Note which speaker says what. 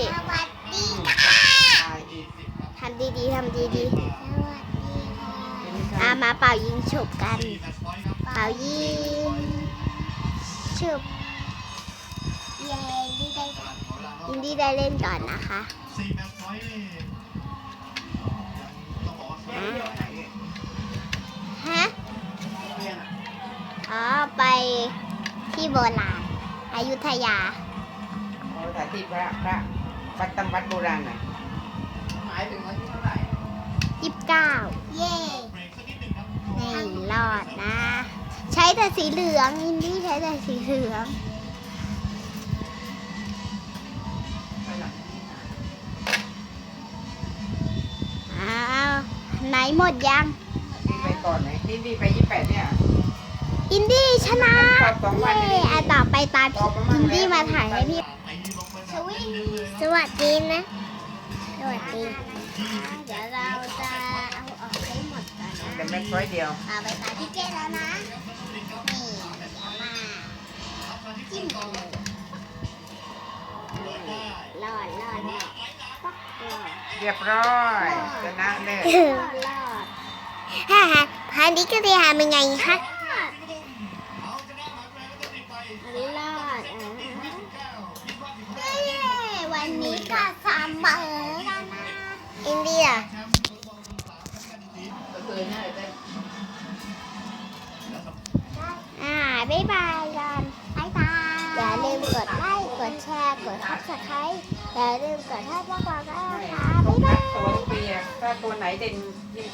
Speaker 1: สวัสดีค่ะทำดีๆทำดีๆมาเป่ายิงฉุบกันเป่ายิงฉุบยินดีได้เล่นก่อนนะคะฮะอ๋อไปที่โบราณอยุธยา
Speaker 2: สถานที่พระวัดตำวัดโบราณหน่อยหมายถึงวันที่เท่าไหร่
Speaker 1: 29เย่ไม่รอดนะใช้แต่สีเหลืองอินดี้ใช้แต่สีเหลืองอ้าวไหนหมดยัง
Speaker 2: นี่ไปก่อนไหนนี่ไป28เนี่ย
Speaker 1: อินดี้ชนะเย่ต่อไปตามอินดี้มาถ่ายให้พี่สวัสดีนะสวัสดีเดี๋ยวเราจะเอาออกให้หมดก่อนนะ
Speaker 2: แต่แม็กซ์ร้อยเดียว
Speaker 1: เอาไปตาพี่เจแล้วนะนี่เดี๋ยวมาจิ้มกันเลยรอดเนี่ย
Speaker 2: เรียบร้อยชนะเลย
Speaker 1: รอดฮ่าพันนี้ก็จะทำยังไงคะรอดวันนี้ก็เสมอแล้วนะอินเดียบ๊ายบายกันบ๊ายบายอย่าลืมกดไลค์กดแชร์กด Subscribe อย่าลืมกดให้พวกเราด้วยนะคะบ๊ายบาย
Speaker 2: ตัวเปียถ้าตัวไหนเด่น